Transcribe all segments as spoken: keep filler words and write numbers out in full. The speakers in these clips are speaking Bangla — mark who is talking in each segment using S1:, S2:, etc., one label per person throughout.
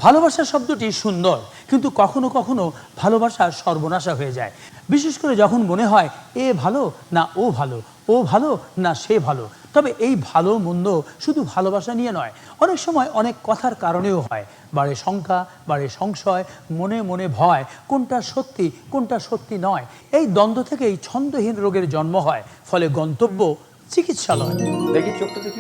S1: ভালোবাসা শব্দটি সুন্দর, কিন্তু কখনো কখনো ভালোবাসা সর্বনাশা হয়ে যায়। বিশেষ করে যখন মনে হয় এ ভালো না ও ভালো, ও ভালো না সে ভালো। তবে এই ভালো মন্দ শুধু ভালোবাসা নিয়ে নয়, অনেক সময় অনেক কথার কারণেও হয়। বাড়ে শঙ্কা, বাড়ে সংশয়, মনে মনে ভয়, কোনটা সত্যি কোনটা সত্যি নয়। এই দ্বন্দ্ব থেকেই ছন্দহীন রোগের জন্ম হয়, ফলে গন্তব্য চিকিৎসালয়।
S2: দেখি চোখটা দেখি।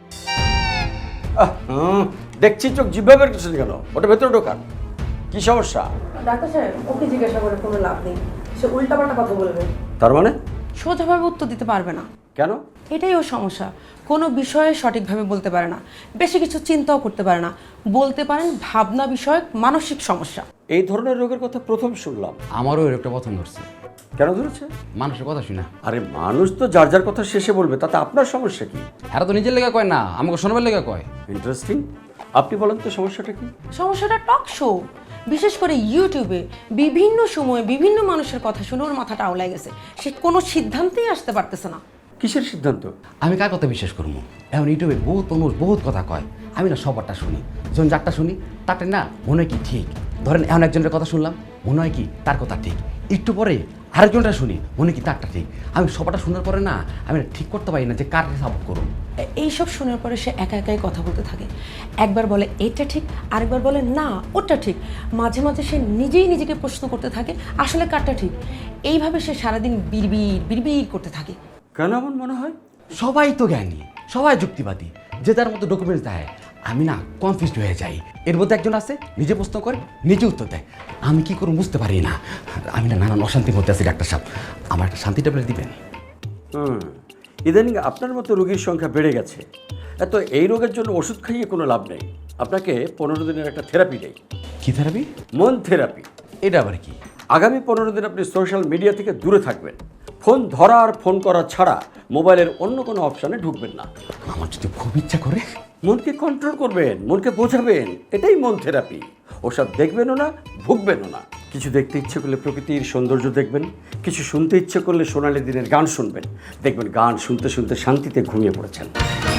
S2: আহ, হুম, দেখছি চোখ জিভে বের করছেন কেন? ওটা ভেতরে ঢোকান। কি সমস্যা?
S3: ডাক্তার সাহেব, ওকে জিজ্ঞাসা করে কোনো লাভ নেই, সে উল্টাপাল্টা কথা বলবে।
S2: তার মানে?
S3: সোজাভাবে উত্তর দিতে পারবে না।
S2: কেন?
S3: এটাই ওর সমস্যা, কোনো বিষয়ে সঠিকভাবে বলতে পারে না, বেশি কিছু চিন্তাও করতে পারে না। বলতে পারেন ভাবনা বিষয়ক মানসিক সমস্যা।
S2: এই ধরনের রোগের কথা প্রথম শুনলাম।
S4: আমারও এর একটা পছন্দ হচ্ছে।
S2: কেন ধরেছে?
S4: মানুষের কথা শুনা।
S2: আরে মানুষ তো যার যার কথা শেষে বলবে, তাতে আপনার সমস্যা কি?
S4: এরা তো নিজের লেগে কয় না, আমাকে শোনাবার লেগে কয়।
S2: ইন্টারেস্টিং। আপনি বলেন তো সমস্যাটা কি?
S3: সমস্যাটা টক শো, বিশেষ করে ইউটিউবে বিভিন্ন সময়ে বিভিন্ন মানুষের কথা শুনে ওর মাথাটা আওলাই গেছে। সে কোনো সিদ্ধান্তেই আসতে পারতেছে না।
S2: কিসের সিদ্ধান্ত?
S4: আমি কার কথা বিশ্বাস করবো? এখন ইউটিউবে বহুত মানুষ বহুত কথা কয়, আমি না সবারটা শুনি। যখন যারটা শুনি তারটা না মনে হয় কি ঠিক। ধরেন এখন একজনের কথা শুনলাম, মনে হয় কি তার কথা ঠিক। একটু পরে আরেকজনটা শুনি, মনে হয় কি তারটা ঠিক। আমি সবারটা শোনার পরে না আমি না ঠিক করতে পারি না যে কারটা সাপোর্ট করুন।
S3: এইসব শোনার পরে সে একা একাই কথা বলতে থাকে। একবার বলে এটা ঠিক, আরেকবার বলে না ওটা ঠিক। মাঝে মাঝে সে নিজেই নিজেকে প্রশ্ন করতে থাকে আসলে কারটা ঠিক। এইভাবে সে সারাদিন বিড়বিড় বিড়বিড় করতে থাকে।
S2: কেন এমন মনে হয়?
S4: সবাই তো জ্ঞানী, সবাই যুক্তিবাদী, যে তার মতো ডকুমেন্টস দেয়। আমি না কনফিউজড হয়ে যাই। এর মধ্যে একজন আছে নিজে প্রশ্ন করে নিজে উত্তর দেয়, আমি কি করব বুঝতে পারি না। আমি না নানান অশান্তির মধ্যে আছি। ডাক্তার সাহেব, আমার একটা শান্তি ট্যাবলেট দিবেন?
S2: হুম, ইদানিং আপনার মতো রোগীর সংখ্যা বেড়ে গেছে। এত এই রোগের জন্য ওষুধ খাইয়ে কোনো লাভ নেই। আপনাকে পনেরো দিনের একটা থেরাপি দেয়।
S4: কি থেরাপি?
S2: মন থেরাপি।
S4: এটা আবার কি?
S2: আগামী পনেরো দিন আপনি সোশ্যাল মিডিয়া থেকে দূরে থাকবেন। ফোন ধরা আর ফোন করা ছাড়া মোবাইলের অন্য কোনো অপশানে ঢুকবেন না।
S4: আমার যদি খুব ইচ্ছা করে
S2: মনকে কন্ট্রোল করবেন, মনকে বোঝাবেন, এটাই মন থেরাপি। ওসব দেখবেনও না, ভুগবেনও না। কিছু দেখতে ইচ্ছে করলে প্রকৃতির সৌন্দর্য দেখবেন, কিছু শুনতে ইচ্ছে করলে সোনালি দিনের গান শুনবেন। দেখবেন গান শুনতে শুনতে শান্তিতে ঘুমিয়ে পড়েছেন।